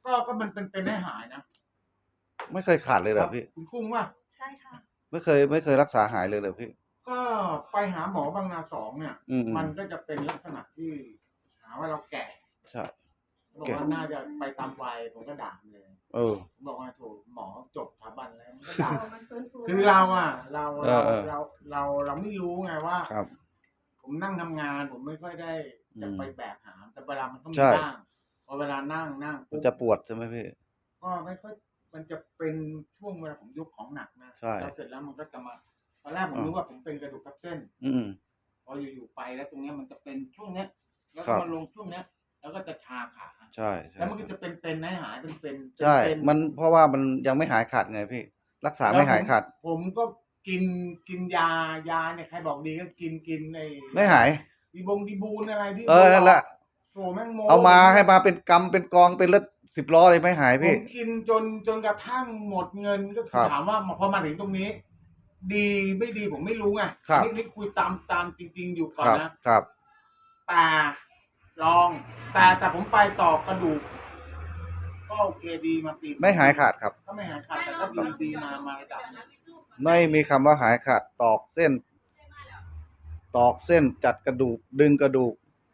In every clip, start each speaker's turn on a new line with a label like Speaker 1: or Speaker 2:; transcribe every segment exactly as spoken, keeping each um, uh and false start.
Speaker 1: ก็ก็มันเป็นเป็นให้หายนะ
Speaker 2: ไม่เคยขาดเลยเหรอพี่
Speaker 1: คุณกุ้งว่า
Speaker 3: ใช่ค่ะ
Speaker 2: ไม่เคยไม่เคยรักษาหายเลยเหรอพี่
Speaker 1: ก็ไปหาหมอบางนาสองเนี่ย
Speaker 2: อืม
Speaker 1: มันก็จะเป็นลักษณะที่หาว่าเราแก่
Speaker 2: ใช่
Speaker 1: บอกว่าน่าจะไปตามวัยผมก็ด่าเลย
Speaker 2: เออ
Speaker 1: ผมบอกว่าโถหมอจบสถาบันแล้วก็ด่าคือเราอ่ะเราเราเราเราเราไม่รู้ไงว่า
Speaker 2: ครับ
Speaker 1: ผมนั่งทำงานผมไม่ค่อยได้จะไปแบกหามแต่เวลามันต้องมี
Speaker 2: ใช่
Speaker 1: บ้างพอเวลานั่งนั่ง
Speaker 2: มันจะปวดใช่ไหมพี่
Speaker 1: ก็ไม่ค่อยมันจะเป็นช่วงเวลาผมยกของหนักนะ
Speaker 2: ใช่
Speaker 1: แล้วเสร็จแล้วมันก็จะมาตอนแรกผมนึกว่าผมเป็นกระดูกทับเส้น
Speaker 2: อืม
Speaker 1: พออยู่ๆไปแล้วตรงเนี้ยมันจะเป็นช่วงเนี้ยแล้วก็มาลงช่วงเนี้ยแล้วก็จะชาขา
Speaker 2: ใช่
Speaker 1: แล้วมันก็จะเป็นเป็นให้หายเป็นเป็น
Speaker 2: ใช่มันเพราะว่ามันยังไม่หายขาดไงพี่รักษาไม่หายขาด
Speaker 1: ผมก็กินกินยายาเนี่ยใครบอกดีก็กินกินใน
Speaker 2: ไม่หาย
Speaker 1: ดีบงดีบูนอะไรที่
Speaker 2: เออนั่นแหละ
Speaker 1: โถแม่งโม
Speaker 2: เอามาให้มาเป็นกำเป็นกองเป็นรถสิบล้อเลยไม่หายพี่
Speaker 1: ผมกินจนจนกระทั่งหมดเงินก็ถามว่าพอมาถึงตรงนี้ดีไม่ดีผมไม่รู้ไงนี่นี่คุยตามตามจริงๆอยู่ก่อนนะครับแต่ลองแต่แต่ผมไปต่อกระดูกก็โอเคดีมาปี
Speaker 2: ไม่หายขาดครับ
Speaker 1: ก็ไม่หายขาดแต่ก็ดีดีมามาระดับนึง
Speaker 2: ไม่มีคำว่าหายขาดตอกเส้นตอกเส้นจัดกระดูกดึงกระดูก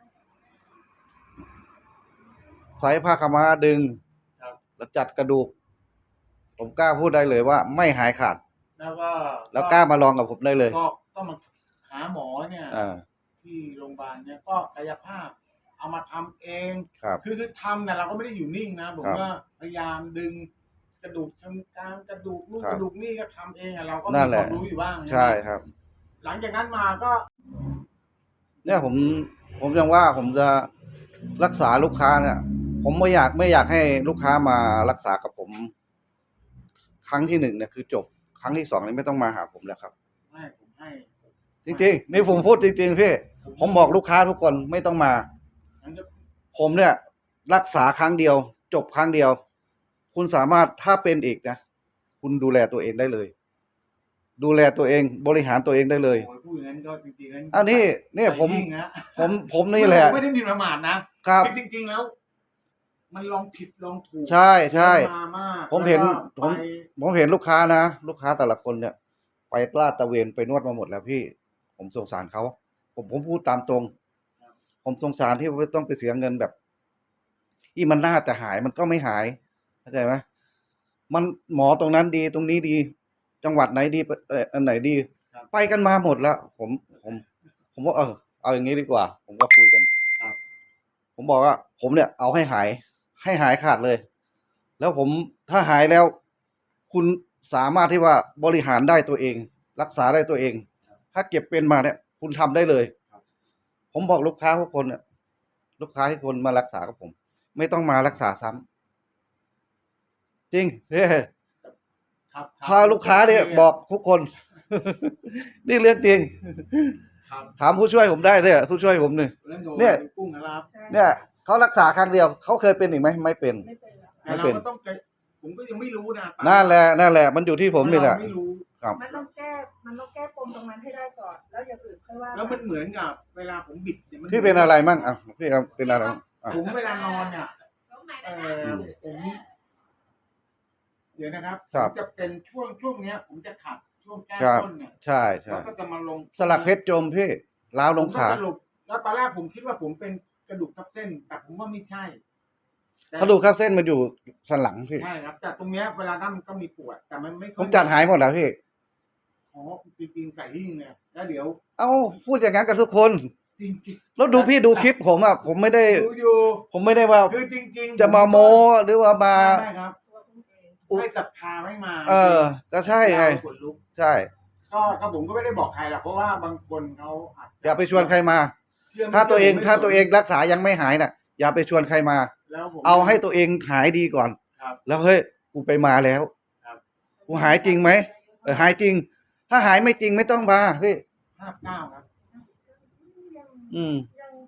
Speaker 2: ใส่ผ้าขม้าดึงแล้วจัดกระดูกผมกล้าพูดได้เลยว่าไม่หายขาด
Speaker 1: แล้วก็
Speaker 2: แล้วกล้ามาลองกับผมได้เลย
Speaker 1: ก็ก็มาหาหมอเนี่ยที่โรงพยาบาลเนี่ยก็กายภาพเอามาทำเองคือคือทำแต่เราก็ไม่ได้อยู่นิ่งนะผมก็พยายามดึงกระดูกชั้นกลางกระดูกนู่นกระดูกนี่ก็ทำเองอะเราก็มีความรู้อยู่บ้าง
Speaker 2: ใช่ครับ
Speaker 1: หลังจากนั้นมาก็
Speaker 2: เนี่ยผมผมยังว่าผมจะรักษาลูกค้าเนี่ยผมไม่อยากไม่อยากให้ลูกค้ามารักษากับผมครั้งที่หนึ่งเนี่ยคือจบครั้งที่สองนี่ไม่ต้องมาหาผมแล้วครับ
Speaker 1: ไม่ผมให้
Speaker 2: จริงๆนี่ผมพูดจริงๆพี่ผมบอกลูกค้าทุกคนไม่ต้องมาผมเนี่ยรักษาครั้งเดียวจบครั้งเดียวคุณสามารถถ้าเป็นอีกนะคุณดูแลตัวเองได้เลยดูแลตัวเองบริหารตัวเองได้เลย
Speaker 1: พูดอย่างนั้นก็จริงๆนั้น
Speaker 2: อันนี้เนี่ยผมผมผมนี่แหละ
Speaker 1: ไม่ได้มีประมาทนะครับจริงๆแล้วมันลองผิดลองถูก
Speaker 2: ใช่ใช่ผมเห็นผมผมเห็นลูกค้านะลูกค้าแต่ละคนเนี่ยไปลาดตระเวนไปนวดมาหมดแล้วพี่ผมสงสารเขาผมผมพูดตามตรงผมสงสารที่ต้องไปเสียเงินแบบที่มันน่าจะหายมันก็ไม่หายเข้าใจไหมมันหมอตรงนั้นดีตรงนี้ดีจังหวัดไหนดีเอออันไหนดีไปกันมาหมดแล้วผมผมผมว่าเออเอาอย่างนี้ดีกว่าผมก็คุยกันผมบอกว่าผมเนี่ยเอาให้หายให้หายขาดเลยแล้วผมถ้าหายแล้วคุณสามารถที่ว่าบริหารได้ตัวเองรักษาได้ตัวเองถ้าเก็บเป็นมาเนี่ยคุณทำได้เลยผมบอกลูกค้าทุกคนเนี่ยลูกค้าที่คนมารักษากับผมไม่ต้องมารักษาซ้ำจริงเฮ้พาลูกค้าเนี่ยบอกทุกคนนี่เรื่องจริงถามผู้ช่วยผมได้เลยผู้ช่วยผมเนี่ยเนี่ยเนี่ยเขารักษาครั้งเดียวเขาเคยเป็นอีกไหมไม่เป็น
Speaker 1: ไม่เป็นผมก็ยังไม่รู้นะ
Speaker 2: นั่นแหละนั่นแหละมันอยู่ที่ผมนี่แหละ
Speaker 3: ครับมันต้องแก้มันต้องแก้ปมตรงนั้นให้ได้ก่อนแล้วอย่างอื่นค่อยว่า
Speaker 1: แล้วมันเหมือนกับเวลาผมบิด
Speaker 2: พี่เป็นอะไรมั่งอ่ะพี่เป็นอะไร
Speaker 1: ผมเวลานอนเนี่ยเออผมเดี๋ยวนะครับจะเป็นช่วงช่วงเนี้ยผมจะขัดช่วงแก้ต้นเนี่ย
Speaker 2: ใช่ใช่
Speaker 1: แล้วก็จะมาลง
Speaker 2: สลักเพชรจมพี่ล้าวลงขา
Speaker 1: สรุปแล้วตอนแรกผมคิดว่าผมเป็นกระดูกทับเส้นแต่ผมว่าไม่ใช่
Speaker 2: กระดูกทับเส้นมันอยู่สันหลังพี่
Speaker 1: ใช่ครับแต่ตรงเนี้ยเวลานั่งก็มีปวดแต่มันไม่
Speaker 2: ผมจัดหายหมดแล้วพี่
Speaker 1: อ๋อจริงๆใส่หิ้งเนี่ยแล้วเดี๋ยว
Speaker 2: เอ้าพูดอย่างนั้นกับทุกคนจริงๆแล้วดูพี่ดูคลิปผมอ่ะผมไม่ได้ผมไม่ได้ว่า
Speaker 1: คือจริง
Speaker 2: ๆจะมาโม้หรือว่ามา
Speaker 1: ใช่ครับให้ศรัทธาไม่มา
Speaker 2: เออก็ใช่ไงใช่
Speaker 1: ก็ก็ผมก็ไม่ได้บอกใครหรอกเพราะว่าบางคนเขา
Speaker 2: อย่าไปชวนใครมาถ้าตัวเองถ้าตัวเองรักษายังไม่หายน่ะอย่าไปชวนใครมาเอาให้ตัวเองหายดีก่อนแล้วเฮ้ยกูไปมาแล้วกูหายจริงไหมเออหายจริงถ้าหายไม่จริงไม่ต้องมาพี่
Speaker 1: ห้าเก้าครับ
Speaker 2: อืม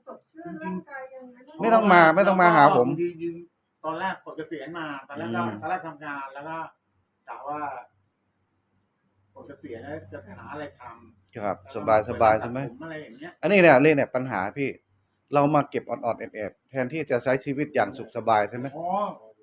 Speaker 2: ไม่ต้องมาไม่ต้องมาหาผม
Speaker 1: ตอนแรกปลดเกษียณมาตอนแรกก็ตอนแรกทำงานแล้วก็กะว่าปลดเกษียณแล้วจะหาอะไรทำ
Speaker 2: ครับสบายสบายใช่ไหม
Speaker 1: อะไรอย่างเงี้ย
Speaker 2: อันนี้เนี่ยนี่เนี่ยปัญหาพี่เรามาเก็บอ่อนๆแอบๆแทนที่จะใช้ชีวิตอย่างสุขสบายใช่ไหม
Speaker 1: อ๋อ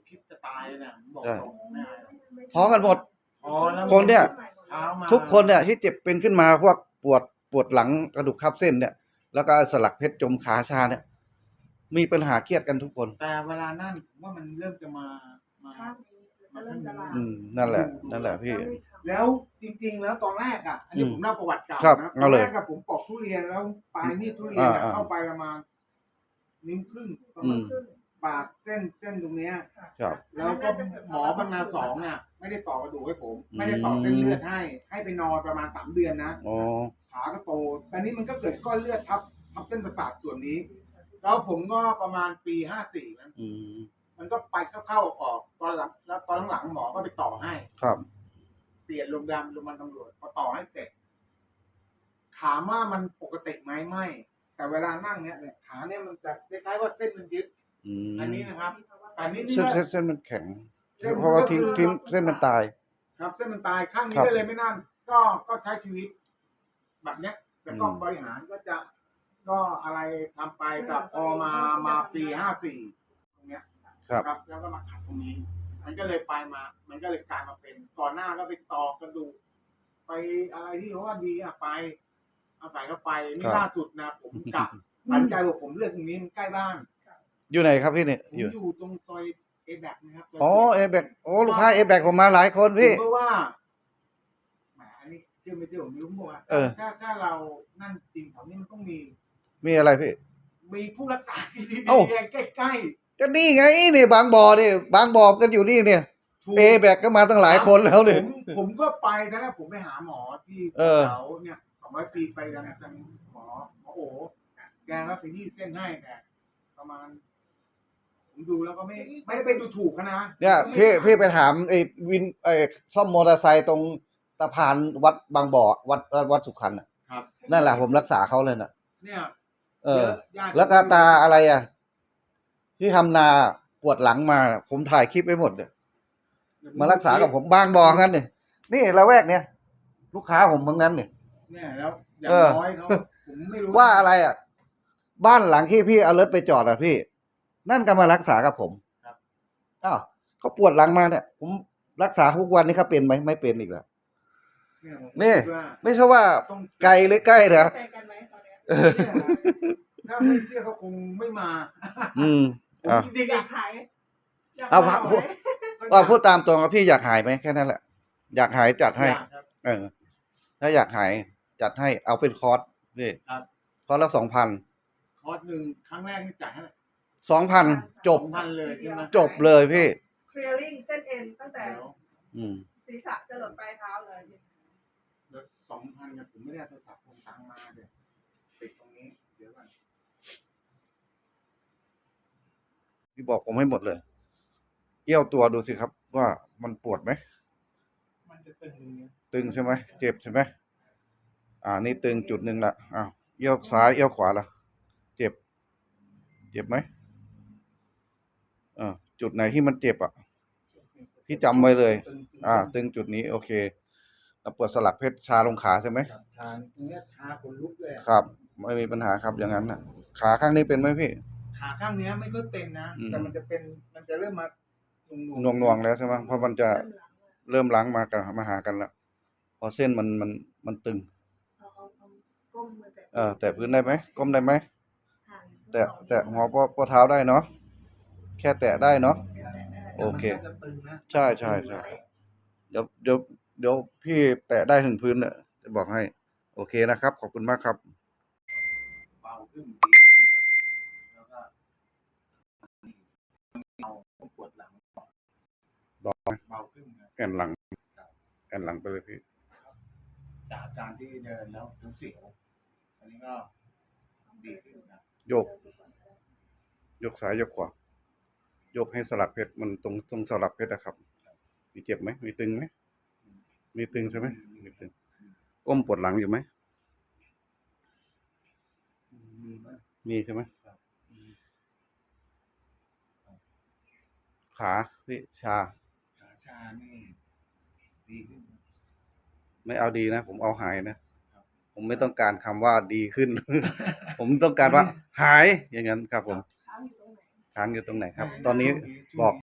Speaker 1: คิดจะตายเลยเนี่ยผมบอก
Speaker 2: ใช่
Speaker 1: ตรงไม่อายหรอก
Speaker 2: ท้องกันหมด
Speaker 1: พอแล้ว
Speaker 2: คนเนี่ย
Speaker 1: เช้ามา
Speaker 2: ทุกคนเนี่ยที่เจ็บเป็นขึ้นมาพวกปวดปวดหลังกระดูกทับเส้นเนี่ย แล้วก็สลักเพชรจมขาชาเนี่ย มีปัญหาเครียดกันทุกคน
Speaker 1: แต่เวลานั่นผมว่ามันเริ่มจะมามา
Speaker 3: ข้างนี้มันเริ่มจะลาม
Speaker 2: อืมนั่นแหละ นั่นแหละพี่
Speaker 1: แล้วจริง ๆ แล้วตอนแรกอ่ะ อันนี้
Speaker 2: อืม
Speaker 1: ผมเล่าประวัติเก่า
Speaker 2: ครับ
Speaker 1: นะต
Speaker 2: เอา
Speaker 1: อน
Speaker 2: เลย
Speaker 1: แรกกับผมปอกทุเรียนแล้วปลายมีดทุเรียนอะ
Speaker 2: อ่าๆ
Speaker 1: เข้าไปประมาณนิ้วครึ่งประ
Speaker 2: อื
Speaker 1: มาณ
Speaker 2: ม
Speaker 3: ขึ้น
Speaker 1: ปาดเส้นเส้นตรงเนี้ย
Speaker 2: ครับ
Speaker 1: แล้วก็หมอบรรณาสองเนี่ยไม่ได้ต่อกระดูกให้ผม
Speaker 2: อืม
Speaker 1: ไม่ได้ต่อเส้นเลือดให้ ให้ไปนอนประมาณสามเดือนนะ
Speaker 2: อ๋อ
Speaker 1: ขาก็โตตอนนี้มันก็เกิดก้อนเลือดทับทับเส้นประสาทส่วนนี้ แล้วผมก็ประมาณปีห้าสี่นะ
Speaker 2: อืม
Speaker 1: มันก็ไปเข้าๆออกๆตอนหลังแล้วตอนหลังๆหมอก็ไปต่อให้
Speaker 2: ครับ
Speaker 1: เปลี่ยนโรงพยาบาลโรงพยาบาลตำรวจพอต่อให้เสร็จ ถามว่ามันปกติไหมไม่ แต่เวลานั่งเนี่ยเนี่ยขาเนี่ยมันจะคล้ายๆว่าเส้นมันยึด
Speaker 2: อืม
Speaker 1: อันนี้นะครับ อันนี้นี่
Speaker 2: เส้น
Speaker 1: ก็
Speaker 2: เส้นเส้นมันแข็ง
Speaker 1: เส้น
Speaker 2: เพราะว่าทิ้ง
Speaker 1: ก็คือ
Speaker 2: ทิ้งเส้นมันตาย
Speaker 1: ครับเส้นมันตายข้างนี้
Speaker 2: ครับ
Speaker 1: ก็เลยไม่นั่น ก็ก็ใช้ชีวิต แบบเนี้ย แต่ก็
Speaker 2: อืม
Speaker 1: บริหารก็จะ ก็อะไรทำไปกับพอมามาปีห้าสี่ตรงเนี้ย
Speaker 2: ครับ
Speaker 1: ครับ แล้วก็มาขัดตรงนี้ มันก็เลยไปมา มันก็เลยกลายมาเป็น ก่อนหน้าก็ไปตอกกระดูกไปอะไรที่เขาว่าดีอะไปอาศัยก็ไปนี่ล่าสุดนะผมกลับตัดใจบอกผมเลือกตรงนี้มันใกล้บ้าน
Speaker 2: อยู่ไหนครับพี่เนี่ย
Speaker 1: ผม
Speaker 2: อยู่
Speaker 1: อยู่ตรงซอยเอแบกนะครับซย
Speaker 2: อ๋อ
Speaker 1: จ็ด
Speaker 2: เอแบกโอ้ลูกค้าเอแบกผมมาหลายคนพี่
Speaker 1: ผมก็ว่าแหมอันนี้เชื่อไม่เชื่อผมไม่รู้บอกว่า
Speaker 2: เออ
Speaker 1: ถ้าถ้าเรานั่นจริงแถวนี้มันต้องมี
Speaker 2: มีอะไรพี่
Speaker 1: มีผู้รักษาที่ดี
Speaker 2: เอ้า
Speaker 1: ๆใกล้
Speaker 2: ก็นี่ไงนี่บางบ่อนี่บางบ่อกันอยู่นี่เนี่ย
Speaker 1: ๆถูก
Speaker 2: เอแบกก็มาตั้งหลายคนแล้วเนี่ย
Speaker 1: ผมผมก็ไปตอนแรกผมไปหาหมอที่
Speaker 2: เออ
Speaker 1: แถวเนี่ยสองร้อยปีไปกันนะจังหมอหมอโอ๋แกก็ไปยี่เส้นให้แต่ประมาณ ผมดูแล้วก็ไม่ไม่ได้ไปดูถูกเขานะ
Speaker 2: เนี่ยพี่พี่ไปถามไอ้วินไอ้ซ่อมมอเตอร์ไซค์ตรงสะพานวัดบางบ่อวัดวัดสุขันธ์น่ะ
Speaker 1: ครับ
Speaker 2: นั่นแหละผมรักษาเขาเลยน่ะ
Speaker 1: เนี่ย
Speaker 2: เออ
Speaker 1: ยะญาติ
Speaker 2: แล้วก็ตาอะไรอ่ะ ที่ทำนาปวดหลังมา ผมถ่ายคลิปไว้หมดเนี่ยมารักษากับผมบางบ่อกันเนี่ยนี่ละแวกเนี่ยลูกค้าผมทั้งนั้นเนี่ย
Speaker 1: เนี่ยแล้วอย่าง
Speaker 2: เออ
Speaker 1: น้อยเขาผมไม่รู้
Speaker 2: ว่าอะไรอ่ะ บ้านหลังที่พี่เอารถไปจอดอ่ะพี่ นั่นก็มารักษากับผม
Speaker 1: ครับ
Speaker 2: อ้าวเขาปวดหลังมาเนี่ย ผมรักษาทุกวันนี้เขาเป็นไหมไม่เป็นอีกแล้ว
Speaker 1: เนี่ยผม
Speaker 2: นี่
Speaker 1: คิดว่า
Speaker 2: ไม่ใช่ว่า
Speaker 1: ต้อง
Speaker 2: ไกลหรือใกล้นะ
Speaker 3: ใจกันไหมตอนเนี้ย
Speaker 1: เนี่ยถ้าไม่เชื่อเขาคงไม่มา
Speaker 2: อืม
Speaker 1: ผม
Speaker 2: อ่ะ
Speaker 1: จริงๆ
Speaker 3: อยา
Speaker 1: อะ
Speaker 3: กขายยก
Speaker 2: เอา
Speaker 3: ขย
Speaker 2: พูด ว่าพูดตามตรงว่าพี่อยากหายไหมแค่นั้นแหละ อยากหายจัดให้
Speaker 1: อยากครับ
Speaker 2: เออ ถ้าอยากหายจัดให้เอาเป็นคอร์สพี่
Speaker 1: ครับ
Speaker 2: คอร์สละสองพัน
Speaker 1: คอร์สหนึ่งครั้งแรกนี่จ่ายให้
Speaker 2: สองพันจบ
Speaker 1: สองพันเลยใช่ไหม
Speaker 2: จบเลยพี่
Speaker 3: เคลียร์ลิงเส้นเอ็นตั้งแต่
Speaker 1: เดี๋ยว
Speaker 2: อืม
Speaker 3: ศีรษะจะหลดปลายเท้าเลย
Speaker 1: เดี๋ยวสองพันเนี่ยผมไม่ได้เอาโทรศัพท์ผมตังค์มาเดี๋ยวติดตรงนี้เดี๋ยวก่อน
Speaker 2: พี่บอกผมให้หมดเลย เอี้ยวตัวดูสิครับ ว่ามันปวดไหม
Speaker 1: มันจะตึงตรงนี้
Speaker 2: ตึงใช่ไหมเจ็บใช่ไหมอ่า นี่ตึงจุดหนึ่งละอ้าวเอี้ยวซ้ายเอี้ยวขวาละเจ็บ เจ็บไหมอ่าจุดไหนที่มันเจ็บอ่ะ พี่จำไว้เลย
Speaker 1: ตึงๆ
Speaker 2: อ่า ตึงจุดนี้โอเคแล้วปวดสลักเพชรชาลงขาใช่ไหม
Speaker 1: ครับชาตรงเนี้ยชาขนลุกเลยอะ
Speaker 2: ครับ ไม่มีปัญหาครับอย่างนั้นน่ะ ขาข้างนี้เป็นไหมพี่
Speaker 1: ขาข้างเนี้ยไม่ค่อยเป็นนะ
Speaker 2: อืม
Speaker 1: แต่มันจะเป็นมันจะเริ่มมาห
Speaker 2: หน่วงหน่วงๆแล้วใช่ไหมเพราะมันจะ
Speaker 3: เริ่มหลังเลย
Speaker 2: เริ่มล้างมากันมาหากันละพอเส้นมันมันมันตึง
Speaker 3: เอาเอาเอาก้มมือแตะ
Speaker 2: เออ แต่พื้นได้ไหมก้มได้ไหม
Speaker 3: ห่าง
Speaker 2: แตะ
Speaker 3: สอง
Speaker 2: แตะหัวป้อป้อเท้าได้เนาะแค่แตะได้เนาะ
Speaker 3: แตะได้
Speaker 2: โอเค
Speaker 1: มันก็จะตึงนะ
Speaker 2: ใช่ใช่ใช่เดี๋ยวเดี๋ยวเดี๋ยวพี่แตะได้ถึงพื้นเนี่ยจะบอกให้ โอเคนะครับ ขอบคุณมากครับ
Speaker 1: เบาขึ้นดีขึ้นครับแล้วก็เอาปวดหลัง
Speaker 2: เบาไหม
Speaker 1: เบาขึ้นครับ
Speaker 2: แอนหลังแอนหลังไปเลยพี่
Speaker 1: จากอาการที่เดินแล้วเสียวๆอันนี้ก็ดีขึ้นนะ
Speaker 2: โยก ยกซ้ายยกขวา ยกให้สลักเพชรมันตรงตรงสลักเพชรนะครับ มีเจ็บไหมมีตึงไหมมีตึงใช่ไหมมีตึงก้มปวดหลังอยู่ไหม
Speaker 1: มีไหม
Speaker 2: มีใช่ไหม
Speaker 1: มี
Speaker 2: ขาพี่ชา
Speaker 1: ขาชานี่ดีขึ้น
Speaker 2: ไม่เอาดีนะ ผมเอาหายนะ ผมไม่ต้องการคำว่าดีขึ้น ผมต้องการว่าหายอย่างนั้นครับผม
Speaker 3: ค้างอยู่ตรงไหน
Speaker 2: ค้างอยู่ตรงไหนครับ ตอนนี้บอก